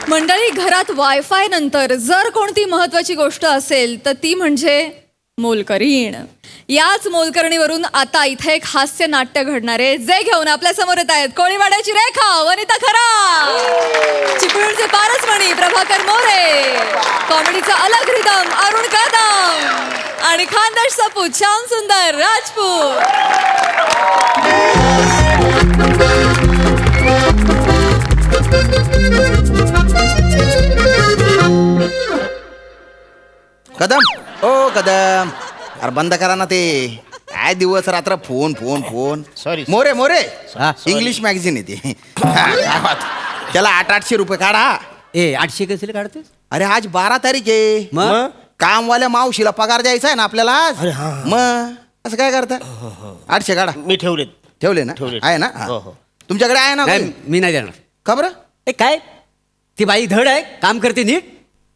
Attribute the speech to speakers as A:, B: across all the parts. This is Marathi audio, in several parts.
A: मंडळी, घरात वायफाय नंतर जर कोणती महत्वाची गोष्ट असेल तर ती म्हणजे मोलकरीण. याच मोलकरणीवरून आता इथे एक हास्य नाट्य घडणार आहे, जे घेऊन आपल्या समोर येत आहेत कोळीवाड्याची रेखा, वनिता खरा, चिपळूणचे पारसमणी प्रभाकर मोरे, कॉमेडीचा अलग रिदम अरुण कदम आणि खानदेश सपूत श्याम सुंदर राजपूत.
B: कदम, ओ कदम, अरे बंद करा ना ते. काय दिवस रात्र phone phone phone.
C: Sorry
B: More More,
C: sorry.
B: English magazine आहे ते. काय बात. त्याला 800-800 रुपये काढा.
D: 800 कसे काढतेस?
B: अरे आज 12 तारीख आहे.
D: मग
B: कामवाल्या मावशीला पगार द्यायचा आहे ना आपल्याला आज.
C: अरे हा.
B: मग असं काय करता? 800 काढा.
C: मी ठेवलेत.
B: ठेवले ना?
C: ठेवले.
B: आहे ना?
C: हो, हो.
B: तुमच्याकडे आहे ना?
D: नाही, मी नाही देणार.
B: का बरं?
D: ए काय ती बाई धड आहे, काम करते नीट.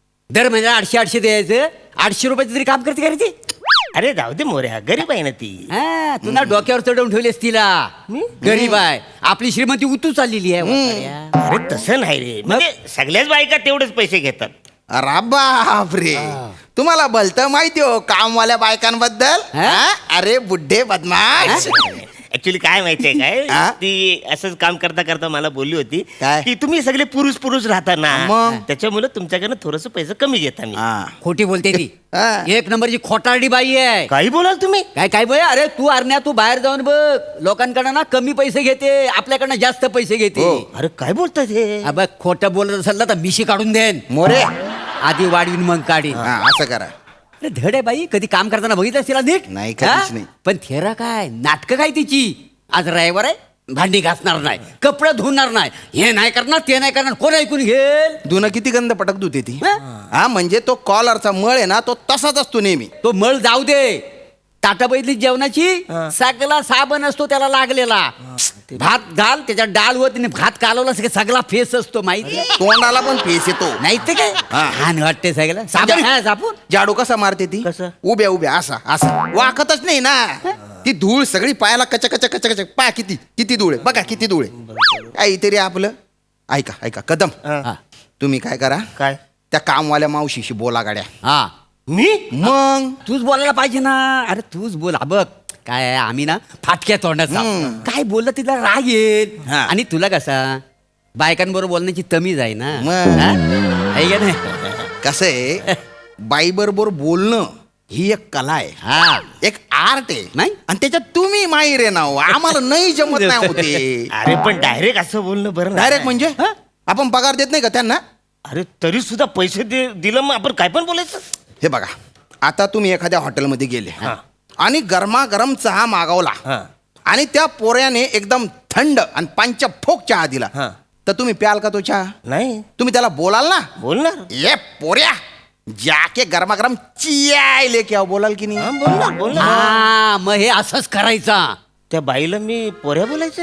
D: दर महिन्याला 800 द्यायचं. 800 रुपयाचं तरी काम करते का रे ती?
C: अरे जाऊ दे मोरे, हा गरीब आहे ना ती.
D: हा, तू ना डोक्यावर चढवून ठेवलेस तिला. गरीब आहे, आपली श्रीमंती उतू चाललेली आहे. वाटाड्या.
C: अरे तसं नाही रे, म्हणजे सगळ्याच बायका तेवढेच पैसे घेतात.
B: अरे बापरे, तुम्हाला भलतं माहिती हो कामवाल्या बायकांबद्दल.
D: हा?
B: हा? अरे बुड्ढे बदमाश.
C: ऍक्च्युली काय माहितीये काय,
B: हा?
C: ती असंच काम करता करता मला बोलली होती
B: काय?
C: की तुम्ही सगळे पुरुष राहता ना,
B: मग?
C: त्याच्यामुळे तुमच्याकडनं थोडस पैसे कमी घेता मी.
B: हा.
D: खोटी बोलते ती.
B: हा.
D: एक नंबरची खोटारडी बाई आहे.
C: काही बोलाल तुम्ही?
D: काय बोल. अरे तू अरण्या, तू बाहेर जाऊन बघ, लोकांकडनं ना कमी पैसे घेते, आपल्याकडनं जास्त पैसे घेते.
B: हो.
C: अरे काय बोलताय हे?
D: बघ, खोटं बोलत असेल ना तर मिशी काढून देन.
B: मोरे,
D: आधी वाढवीन मग काढीन.
B: हा, असं करा.
D: अरे धड आहे बाई, कधी काम करताना बघितलं तिला नीट?
B: नाही, कधीच
D: हा?
B: नाही.
D: पण थेरा काय नाटकं काय तिची. आज रविवार आहे, भांडी घासणार नाही, कपडे धुणार नाही, हे नाही करणार ते नाही करणार, कोण ऐकून घेल?
B: धुणं किती गंध पटक धुते ती.
D: हा?
B: हा, म्हणजे तो कॉलरचा मळ आहे ना, तो तसाच असतो नेहमी.
D: तो मळ जाऊ दे, ताटा बैठली जेवणाची सगळा साबण असतो त्याला लागलेला. भात घाल, त्याच्यात डाळ व तिने भात कालवला सगळा फेस असतो माहिती.
B: तोंडाला पण फेस येतो.
D: नाही ते काय
B: हा.
D: हान वाटते सगळं साबण आहे साबून.
B: जाडू कसा मारते ती?
C: कसं?
B: उभ्या उभ्या असा असा वाकतच नाही ना. ती धूळ सगळी पायाला कच कच कच कच. पा किती किती धूळ आहे बघा, किती धूळ आहे. काहीतरी आपलं ऐका ऐका कदम,
D: हा.
B: तुम्ही काय करा,
C: काय?
B: त्या कामवाल्या मावशीशी बोला गाड्या.
D: हा,
C: मी?
B: मग
D: तूच बोलायला पाहिजे ना. अरे तूच बोल. हा बघ काय आहे, आम्ही ना फाटक्या तोंडाचा. काय बोललं तिला राग येईल.
B: हा.
D: आणि तुला कसा बायकांबरोबर बोलण्याची तमीज आहे ना.
B: मग.
D: हा? आहे का नाही?
B: कसं आहे, बाई बरोबर बोलणं ही एक कला आहे,
D: हा.
B: एक आर्ट आहे.
D: नाही?
B: आणि त्याच्यात तुम्ही माहीर आहे ना हो. आम्हाला नाही जमत नाही होते.
C: अरे पण डायरेक्ट असं बोलणं बरं नाही.
B: डायरेक्ट म्हणजे आपण पगार देत नाही का त्यांना?
C: अरे तरी सुद्धा पैसे दिलं मग आपण काय पण बोलायचं.
B: हे बघा, आता तुम्ही एखाद्या हॉटेलमध्ये गेले
C: हा.
B: आणि गरमागरम चहा मागवला
C: हा.
B: आणि त्या पोऱ्याने एकदम थंड आणि पंचफोक चहा दिला,
C: हा.
B: तर तुम्ही प्याल का तो चहा?
C: नाही
B: तुम्ही त्याला बोलाल ना,
C: बोलणार.
B: ये पोऱ्या जाके गरमागरम चिया लेके आओ, बोलाल की
C: हा,
B: नाही?
C: बोलणार.
D: हा, मग हे असंच करायचा.
C: त्या बाईला मी पोऱ्या बोलायचं.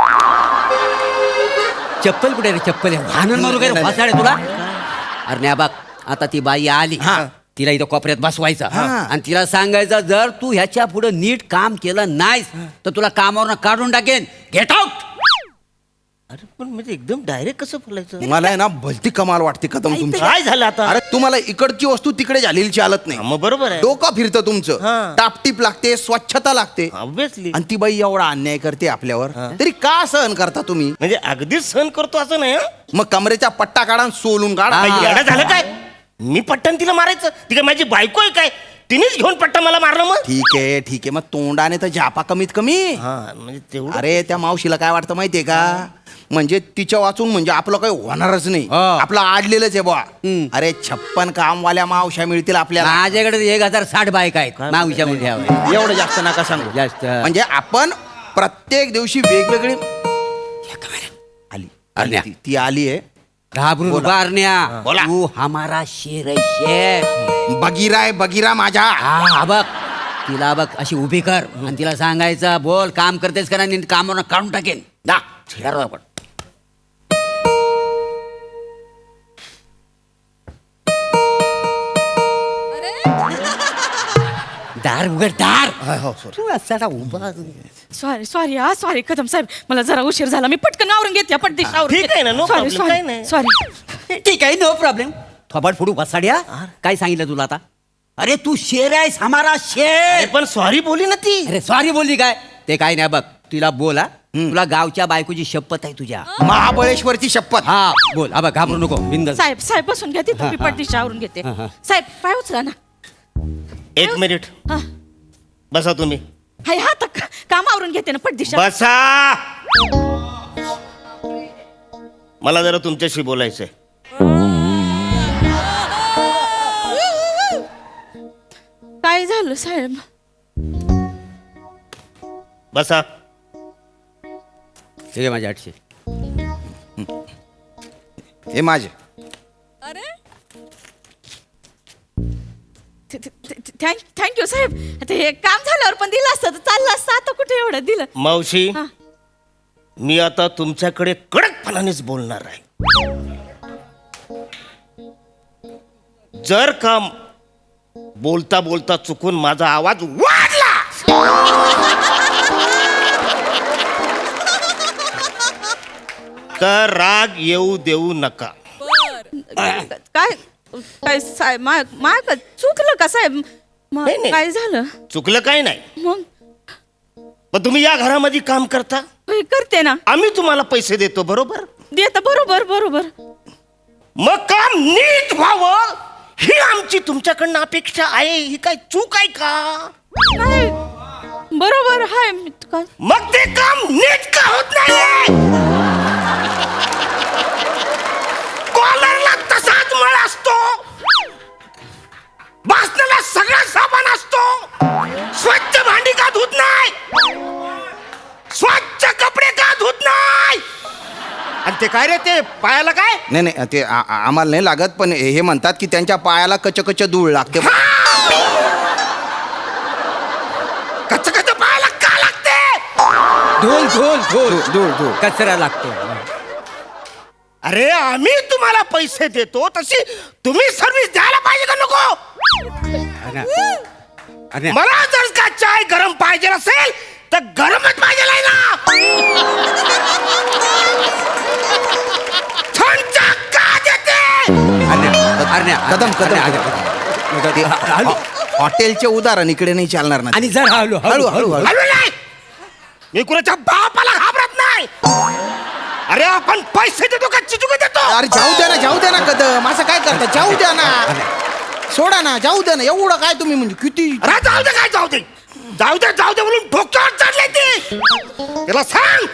D: चप्पल कुठे रे? चप्पल आहे वाहन मारू काय
B: नाही,
D: फासाड आहे तुला? अरे नाही बघ, आता ती बाई आली,
B: हा.
D: तिला इथं कोपऱ्यात बसवायचं
B: हा.
D: आणि तिला सांगायचं, जर तू ह्याच्या पुढे नीट काम केलं नाहीस तर तुला कामावरनं काढून टाकेन. Get out.
C: अरे पण म्हणजे एकदम डायरेक्ट कसं बोलायचं?
B: मला आहे ना भलती कमाल वाटते कदम तुमची.
C: काय झालं आता?
B: अरे तुम्हाला इकडची वस्तू तिकडे झालेली चालत नाही.
C: हा, मग बरोबर आहे.
B: डोकं फिरतं तुमचं.
C: हा.
B: टापटीप लागते, स्वच्छता लागते.
C: ऑब्विसली.
B: आणि ती बाई एवढा अन्याय करते आपल्यावर, तरी का सहन करता तुम्ही?
C: म्हणजे अगदीच सहन करतो असं नाही हं?
B: मग कमरेचा पट्टा काढा आणि सोलून काढा.
D: हा.
C: काय येडा झालं काय? मी पट्टन तिला मारायचं? ती काय माझी बायको आहे काय? तिनेच घेऊन पट्टा मला मारलं मग?
B: ठीक आहे, मग तोंडाने तर झापा कमीत कमी.
C: हा म्हणजे तेवढं.
B: अरे त्या मावशीला काय वाटतं माहितीये का, म्हणजे तिच्या वाचून म्हणजे आपलं काही होणारच नाही,
D: हा.
B: आपलं आडलेलंच आहे बुवा. अरे 56 कामवाल्या मावश्या मिळतील आपल्याला.
D: माझ्याकडे 1060 बायका आहेत मावशा मोठ्या.
B: एवढं जास्त नका सांगू.
D: जास्त.
B: म्हणजे आपण प्रत्येक दिवशी वेगवेगळी आली
D: आली.
B: ती आली आहे.
D: घाबरून
B: बोला.
D: उभारण्या.
B: बोला.
D: तू हमारा शेर है शेर.
B: बगीरा आहे बगीरा माझ्या.
D: हा बघ, तिला बघ अशी उभी कर आणि तिला सांगायचं, बोल काम करतेस का नाही, कामावर काढून टाकेन. दा छिडार आपण. दार उघड, दार. तू असा उभा.
E: सॉरी सॉरी हा सॉरी कदम साहेब, मला जरा उशीर झाला, मी पटकन आवरून घेते पटदिशी आवरून
C: ठीक आहे ना, no problem, काही नाही.
E: सॉरी
D: ठीक आहे, नो प्रॉब्लेम. थोबाड फोडू बसाड्या. काय सांगितलं तुला आता? अरे तू शेर आहेस, हमारा
C: अरे
D: शेर.
C: पण सॉरी बोली ना ती.
D: अरे सॉरी बोलली काय? ते काय नाही बघ, तिला बोल हा. तुला गावच्या बायकोची शपथ आहे तुझ्या.
B: महाबळेश्वरची शपथ.
D: हा बोल. हा बघ, घाबरू नको, बिंदास.
E: साहेब साहेब बसून घ्या तिथं मी
D: हा, हा.
E: पटदिशी आवरून घेते.
D: हा, हा.
E: साहेब पाय उचला ना.
C: एक मिनिट
E: हा
C: बसा तुम्ही.
E: हाय हा तर काम आवरून घेते ना पटदिशी.
C: बसा. मला जरा तुमच्याशी बोलायचंय.
E: काय झालं साहेब?
C: बसा.
D: ठीक आहे, माझ्या 800.
B: हे माझे.
A: अरे
E: थँक्यू साहेब. आता हे काम झाल्यावर पण दिलं असतं तर चाललं असतं. आता कुठे एवढं दिलं?
C: मावशी
E: हा.
C: मी आता तुमच्याकडे कडकपणानेच बोलणार आहे. जर का बोलता बोलता चुकून माझा आवाज वाढला तर राग येऊ देऊ नका.
E: काय काय साहेब माय चुकलं का साहेब?
C: नाही, नाही.
E: काय झालं
C: चुकलं काही नाही.
E: मग?
C: पण तुम्ही या घरामध्ये काम करता,
E: होय, करते ना.
C: आम्ही तुम्हाला पैसे देतो, बरोबर?
E: देता बरोबर बरोबर.
C: मग काम नीट व्हावं ही आमची तुमच्याकडनं अपेक्षा आहे. ही काय चूक आहे का?
E: नाही बरोबर हाय. मी काय
C: मग ते काम नीट का होत नाही? कॉलरला तसाच मळ असतो, बासनाला सगळा साबण असतो, स्वच्छ भांडी का धुत नाही, स्वच्छ कपडे का धुत नाही? आणि ते काय रे, ते पायाला काय?
B: नाही नाही ते आम्हाला नाही लागत, पण हे म्हणतात की त्यांच्या पायाला कच धूळ लागते.
C: कच्च कच्च पायाला का लागते?
D: धोल धोल धोल
B: धूळ धूळ.
D: कचरा लागतो.
C: अरे आम्ही तुम्हाला पैसे देतो, तशी तुम्ही सर्व्हिस द्यायला पाहिजे का नको?
D: अरे
C: मला जर का चाय गरम पाहिजे असेल तर गरमच पाहिजे आहे ना. थंड का देते?
B: कदम हॉटेलचे उदाहरण इकडे नाही चालणार ना.
D: आणि जर हळू
B: हळू हळू हळू.
C: हळू नाही, मी कुणाच्या बापाला घाबरत नाही. अरे आपण पैसे देतो का चिचुके देतो?
B: अरे जाऊ द्या ना कदम, असं काय करता? जाऊ द्या ना, सोडा ना, जाऊ द्या ना. एवढं काय तुम्ही म्हणजे किती?
C: अरे जाऊ दे, काय जाऊ दे, जाऊ दे जाऊ दे म्हणून डोक्यावर चढले ती. त्याला सांग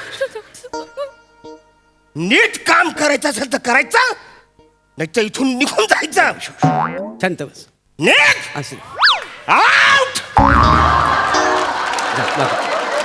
C: नीट काम करायचं असेल तर करायचं, नाही तर इथून निघून जायचं.
D: शांत बस.
C: नीट
D: असं
C: आउट.
D: जा, बघ.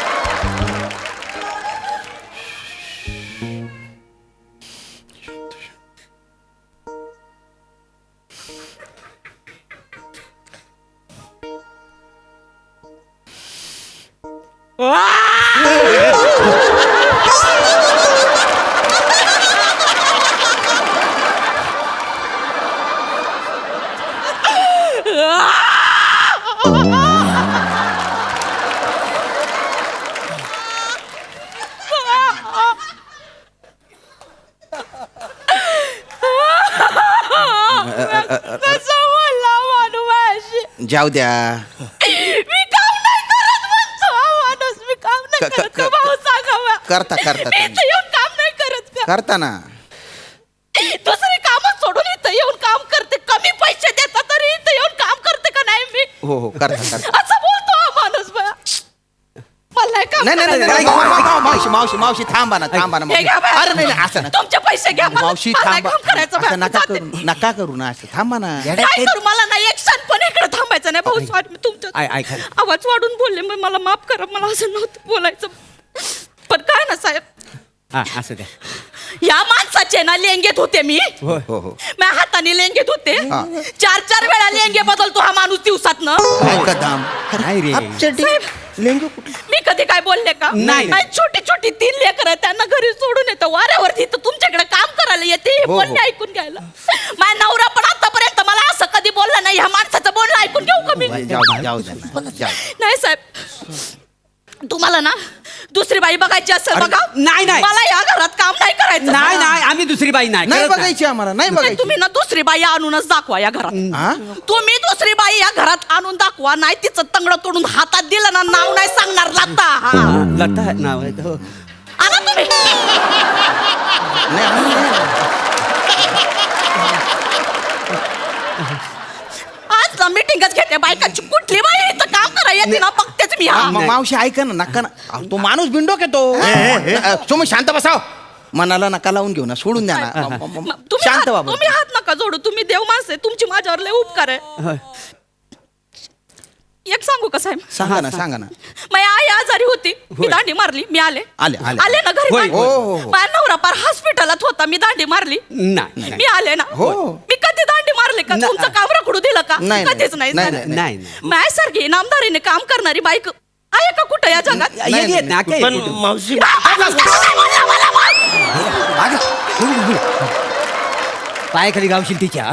E: कसं बोलला माणूस माझ्याशी?
B: जाऊ द्या.
E: मी काम नाही करत म्हणतो हा माणूस. मी काम नाही
B: क-
E: करत
B: क-
E: का भाऊ? सांगा
B: करता
E: मी
B: तुम्ही.
E: इथं येऊन काम नाही करत का?
B: करता ना.
E: दुसरी कामं सोडून इथं येऊन काम करते. कमी पैसे देतात तरी इथं येऊन काम करते का नाही मी?
B: हो हो करता.
E: असं बोलतो हा माणूस बा. मला नाही काम
B: नाही
E: करायचं.
B: मावशी मावशी मावशी थांबा ना.
E: हे घ्या बा.
B: अरे नाही असं ना.
E: तुमचे पैसे घ्या.
B: मावशी
E: मला नाही
B: थांबा.
E: काम करायचं बा.
B: असं नका
E: जाते.
B: करू ना. असं थांबा ना.
E: काय करू? मला नाही एक क्षण पण इकडे थांबायचं नाही भाऊ. सॉरी मी तुमच्या
D: ऐका.
E: आवाज वाढून बोलले, मग मला माफ करा. मला असं नव्हतं बोलायचं. पण काय ना साहेब,
D: हा असं द्या.
E: या माणसाचे ना लेंगेत होते मी.
B: हो हो.
E: मी हाताने लेंगेत होते.
B: हा.
E: 4 वेळा लेंगे बदलतो हा माणूस दिवसातनं.
B: काय कदम?
D: काय रे?
B: लेंगू कुठे?
E: मी कधी काय बोलले का?
D: नाही.
E: छोटी छोटी 3 लेकर आहेत, त्यांना घरी सोडून येतं वाऱ्यावरती, तर तुमच्याकडे काम करायला येते. हे
B: हो,
E: बोलणे
B: हो.
E: ऐकून घ्यायला. माझा नवरा पण आतापर्यंत मला असं कधी बोलला नाही. ह्या माणसाचं बोलणं ऐकून घेऊ का मी?
B: जाऊ द्या ना. जाऊ.
E: नाही साहेब, तुम्हाला ना दुसरी बाई बघायची असेल
B: अरे,
E: बघा.
D: नाही, नाही.
E: मला या घरात काम नाही करायचं.
D: नाही नाही आम्ही दुसरी बाई नाही
B: नाही
D: कळत नाही.
B: बघायची आम्हाला नाही
E: नाही,
B: बघायची
E: तुम्ही ना दुसरी बाई आणूनच दाखवा या घरात.
B: हा?
E: तुम्ही दुसरी बाई या घरात आणून दाखवा, नाही तिचं तंगड तोडून हातात दिलं ना नाव नाही सांगणार लता. हा.
D: लता नाव आहे हो.
E: आणा तुम्ही.
B: नाही, आम्ही नाही.
E: आज ना मीटिंगच घेते बायकांची. कुठली बाई इथं काम करायला येते ना बघतेच मी. हा.
B: मावशी ऐका ना नका ना अहो, तो माणूस बिंडोक येतो तुम्ही शांत बसाव मनाला नका लावून घेऊ ना सोडून द्या ना
E: तुम्ही
B: शांत
E: हात-
B: बाबा
E: तुम्ही हात नका जोडू. तुम्ही देव माणसं आहे. तुमची माझ्यावर लय उपकार आहे. एक सांगू का साहेब?
B: सांगा ना
E: माझी आई आजारी होती, मी दांडी मारली, मी आले
B: आले.
E: आले ना घरी.
D: होय,
B: होय, हो, हो.
E: माझा नवरा पार हॉस्पिटलात होता, मी दांडी मारली,
D: नाही
E: मी आले ना.
B: हो.
E: मी कधी दांडी मारले का?
D: नाही.
E: तुमचं काम रखडू दिलं का?
B: नाही,
E: कधीच नाही
B: नाही,
E: झालं.
D: नाही
E: माझ्यासारखी इनामदारीने काम करणारी बाईक आहे का कुठं या जगात?
D: नाही, येत ना काय
C: पण मावशी
D: पायाखाली गावशील तिच्या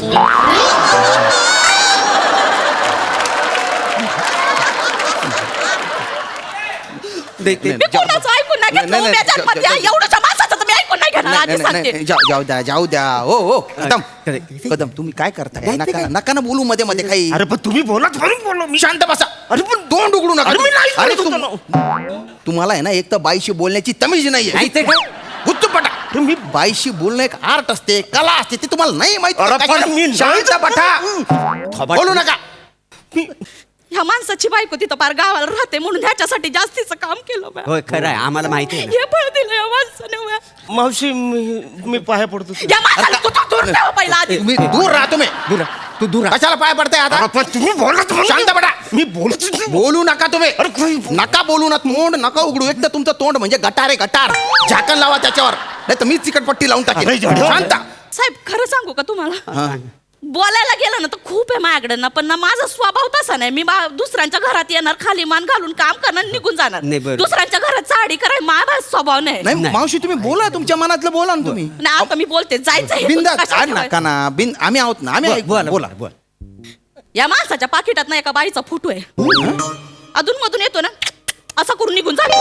E: मी कोणाचं ऐकून नाही घेतलं.
B: नाही, नाही,
E: उभ्या जन्मात या एवढ्याशा माणसाचं तर मी ऐकून नाही घेणार. आधी सांगते.
B: जाऊ द्या हो कदम कदम तुम्ही काय करताय नका ना बोलू मध्ये मध्ये काही
C: अरे पण तुम्ही बोलत म्हणून बोललो मी.
B: शांत बसा अरे पण तोंड उघडू नका
C: अरे मी नाही
B: अरे
C: बोलत होतो
B: तुम्हाला आहे ना एक तर बाईशी बोलण्याची तमीज नाहीये
D: नाही ते काय?
B: गुत्तपटा तुम्ही बाईशी बोलणं एक आर्ट असते कला असते ते तुम्हाला नाही
C: अरे पण मी
B: माहिती
C: नाही
B: शांत बटा बोलू नका
E: ह्या माणसाची बायको तिथं पार गावाला राहते म्हणून ह्याच्यासाठी जास्तीचं काम केलं बा.
D: होय खरं आहे आम्हाला माहिती आहे ना.
E: हे फळ दिलं या माणसाने बा.
C: मावशी मी पाया पडतो
E: या माणसाला तू तर दूर ठेवा पहिला आधी.
B: तुम्ही दूर राहा तुम्ही
D: दूर तू दूर
B: कशाला पाय पडताय आता
C: अरे पण तुम्ही बोलत म्हणून
B: शांत बटा
C: मी बोलतो
B: बोलू नका तुम्ही
C: अरे
B: नका बोलू ना तोंड नका उघडू एक तर तुमचं तोंड म्हणजे गटार आहे गटार झाकण लावा त्याच्यावर नाही तर मीच चिकटपट्टी लावून टाकेन
C: अरे, जड.
B: शांत
E: साहेब खरं सांगू का तुम्हाला?
B: हा.
E: बोलायला गेलं ना तर खूप आहे माझ्याकडे ना, पण ना माझा स्वभाव तसा नाही. मी दुसऱ्यांच्या घरात येणार, खाली मान घालून काम करणार, निघून जाणार.
D: नाही, बरोबर.
E: दुसऱ्यांच्या घरात साडी कराय माझा स्वभाव नाही.
B: नाही मावशी तुम्ही बोला तुमच्या मनातलं बोला ना तुम्ही
E: ना आता मी बोलते जायचं हे
B: बिंदा
E: कशाला
B: नका
E: ठेवायचं?
B: ना बिन आम्ही आहोत ना आम्ही ऐकू. बोला
D: बोल
E: या माणसाच्या पाकिटात ना एका बाईचा फोटो आहे. अधून मधून येतो ना असा करून निघून जातो.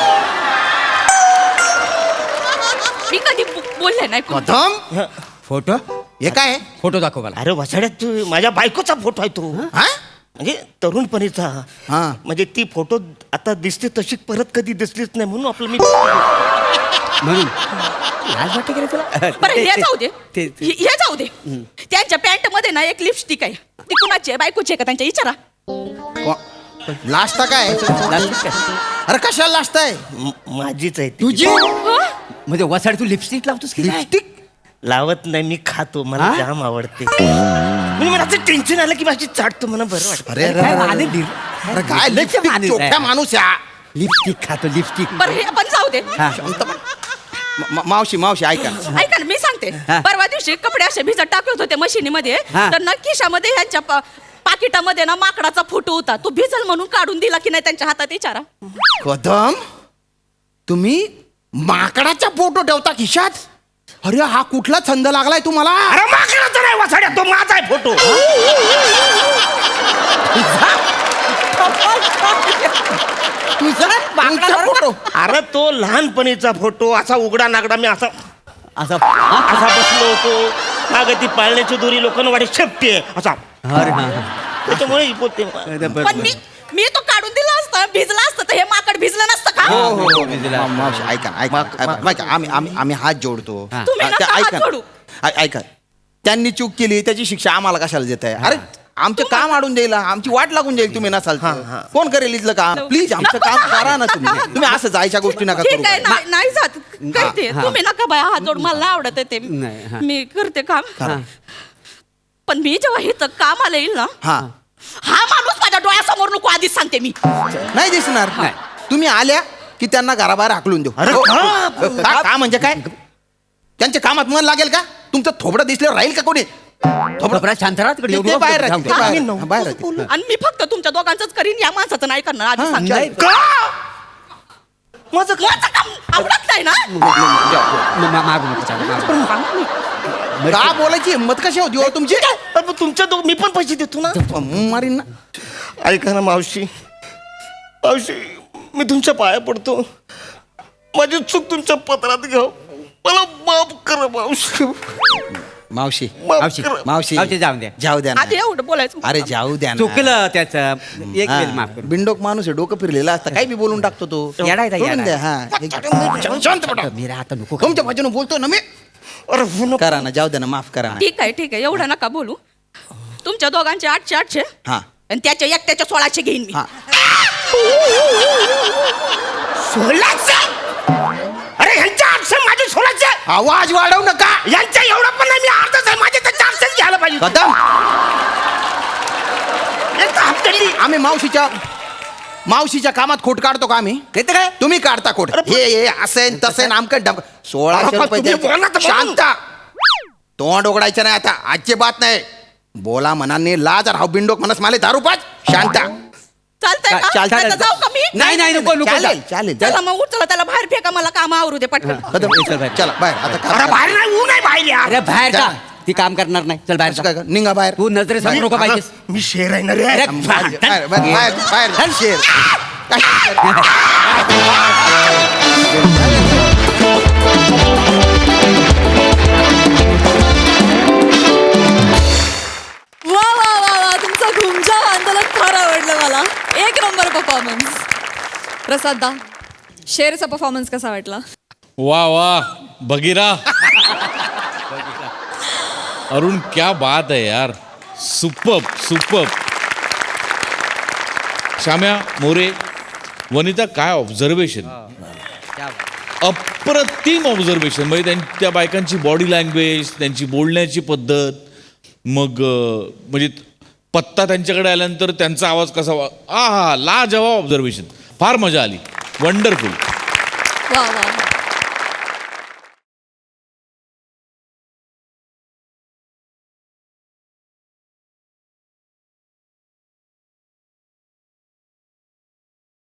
E: मी कधी बोलले नाही कोण.
B: कदम
D: फोटो
B: हे काय आहे?
D: फोटो दाखव मला
C: अरे वसाड्यात तू माझ्या बायकोचा फोटो आहे तो
B: हा?
C: म्हणजे तरुणपणीचा
B: हा.
C: म्हणजे ती फोटो आता दिसते तशी परत कधी दिसलीच नाही म्हणून आपलं मी
D: म्हणून लाज वाटते का रे तुला?
E: बरं हे जाऊ दे
D: ते- ते-
E: हे जाऊ दे. त्यांच्या पॅन्ट मध्ये ना एक लिपस्टिक आहे. ती कुणाची आहे? बायकोची आहे का? त्यांच्या विचारा.
B: लास्ट काय अरे कशाला लास्ट आहे
C: माझीच आहे ती.
D: तुझी
E: हं?
D: म्हणजे वसाड तू लिपस्टिक लावतोस की काय?
B: लिपस्टिक
C: लावत नाही मी खातो मला
D: हा?
C: जाम आवडते म्हणजे मला असं टेन्शन आलं की माझी चाटतो मला बरं वाटतं
B: अरे
D: काय
B: अरे,
D: माने
B: अरे,
D: लिप-
B: अरे काय लिपस्टिक
D: माणूस आहे.
B: चोख्या माणूस या
D: लिपस्टिक खातो लिपस्टिक
E: बरं हे पण जाऊ दे.
D: हा.
B: मावशी मावशी ऐका
E: ऐका ना मी सांगते.
D: हा.
E: परवा दिवशी कपडे असे भिजत टाकत होते मशिनीमध्ये,
D: हा.
E: तर ना खिशामध्ये ह्यांच्या पाकिटामध्ये ना माकडाचा फोटो होता. तो भिजल म्हणून काढून दिला की नाही त्यांच्या हातात विचारा.
B: कदम तुम्ही माकडाचा फोटो ठेवता खिशात अरे हा कुठला छंद लागलाय तुम्हाला
C: अरे माकडाचा नाही वसाड्या तो माझा आहे फोटो
B: तुमचा फोटो
C: अरे तो लहानपणीचा फोटो असा उघडा नागडा मी असा
D: असं
C: असा बसलो होतो मागे ती पाळण्याची दोरी लोकांना वाटे शेपटी आहे असा
D: अरे हा
C: त्याच्यामुळे ही बोलते
E: पण मी तो काढून दिला असता, भिजला असतं तर हे माकड भिजलं नसतं का?
B: मावशी ऐका ना, ऐका आम्ही हात जोडतो
D: हा.
E: तुम्ही नका हात
B: ऐका
E: जोडू.
B: ऐका त्यांनी चूक केली त्याची शिक्षा आम्हाला कशाला देत आहे अरे आमचं काम अडून जाईल आमची वाट लागून जाईल तुम्ही नसाल तर. कोण करेल इथलं काम प्लीज आमचं
E: नको
B: काम
E: ना.
B: करा ना तुम्ही असं जायच्या गोष्टी नका करू
E: ठीक आहे नाही जात काय ते
D: हा.
E: तुम्ही नका बाया हात जोड, मला नाही आवडत आहे ते.
D: नाही, हा.
E: मी करते काम.
B: करा.
E: पण मी जेव्हा हे तर कामाला येईल ना,
B: हा
E: हा माणूस माझ्या डोळ्यासमोर नको आधीच सांगते मी.
B: नाही दिसणार
D: नाही.
B: तुम्ही आल्या की त्यांना घराबाहेर हाकलून देऊ
C: अरे
B: हो,
C: का?
B: हो, का म्हणजे काय त्यांच्या कामात मन लागेल का तुमचं थोबडं दिसल्यावर राहील का कोणी
D: थोडं शांत राहा तिकडे
B: ते बाहेर राहते, ते
E: हा.
B: बाहेर
C: आम्ही
B: राहते, बाहेर राहते.
E: आणि मी फक्त तुमच्या दोघांचंच करीन, या माणसाचं नाही करणार आधी
B: हा,
E: सांगते.
B: नाही.
C: का माझं
E: माझं काम आवडत नाही ना.
D: मागू नको चालू, मागू.
B: का बोलायची हिंमत कशी होती हो तुमची
C: अरे पण तुमच्या मी पण पैसे देतो ना
B: मारीन ना
C: ऐका ना मावशी मावशी मी तुमच्या पाया पडतो, माझी चूक तुमच्या पत्रात घ्या, मला माफ करा मावशी.
B: मावशी
C: माफ करा.
B: मावशी
D: मावशी, जाऊ द्या.
B: जाऊ द्या ना.
E: आधी एवढं बोलायचं.
B: अरे जाऊ द्या ना.
D: चुकलं त्याचं एक
B: हा,
D: वेळ माफ कर.
B: बिंडोक माणूस आहे, डोकं फिरलेला असतं, काही बी बोलून टाकतो तो.
D: येडा आहे,
B: सोडून
D: येडा.
B: द्या. हा शांत पडा.
D: मीरा आता नको
B: तुमच्या बाजूने बोलतो ना मी.
C: अरे हो ना.
B: करा ना, जाऊ द्या ना, माफ करा ना.
E: ठीक आहे एवढं नका बोलू. तुमच्या दोघांचे 800
B: हा
E: आणि त्याच्या एकट्याच्या 1600 घेईन मी.
B: हा
C: 1600? अरे ह्यांच्या 800 माझे 1600.
B: आवाज वाढवू नका.
C: यांच्या एवढं पण नाही, मी अर्धच आहे, माझे तर 400 घ्यायला पाहिजे.
B: कदम
C: एक तर हप्त्याची.
B: आम्ही मावशीच्या कामात खोट काढतो का आम्ही?
D: ते तर काय
B: तुम्ही काढता खोट. हे असेन तसेन आमकं डमकं. 1600 रुपये
C: तुम्ही बोला
B: द्यायचे.
C: तर
B: शांत. तोंड उघडायचं नाही आता, आजची बात नाही. बोला मनाने लाज राव. बिंडोक म्हणस माले दारू पाच. शांत.
E: चालतंय का?
B: चालतंय.
E: आता जाऊ का मी?
D: नाही नाही नको नको
B: चालेल चालेल.
E: चला मग उचला त्याला बाहेर फेका, मला काम आवरू दे पटकन.
B: कदम
D: चल बाहेर.
B: चला बाहेर आता काम
C: अरे
B: करा.
C: बाहेर नाही, ऊन आहे बाहेर यार.
D: अरे बाहेर जा.
B: जा.
D: ती काम करणार नाही. चल बाहेर
B: असं
D: जा.
B: काय कर, निघा बाहेर.
D: तू नजरेसमोर नको पाहिजेस.
C: मी शेर आहे ना रे.
D: अरे,
B: बाहेर बाहेर बाहेर बाहेर बाहेर. शेर.
A: वा वा वा वा, तुमचं घुमजाव आंदोलन फार आवडलं मला. एक नंबर परफॉर्मन्स. प्रसाद दा, शेरचा परफॉर्मन्स कसा वाटला?
F: वाह वाह बगीरा, अरुण क्या बात है यार, सुपर्ब सुपर्ब. श्याम्या मोरे, वनिता काय ऑब्झर्वेशन, अप्रतिम ऑब्झर्वेशन. म्हणजे त्या बायकांची बॉडी लँग्वेज, त्यांची बोलण्याची पद्धत, मग म्हणजे पत्ता त्यांच्याकडे आल्यानंतर त्यांचा आवाज कसा हा लाजवाब ऑब्झर्वेशन. फार मजा आली. वंडरफुल.
A: वा वा.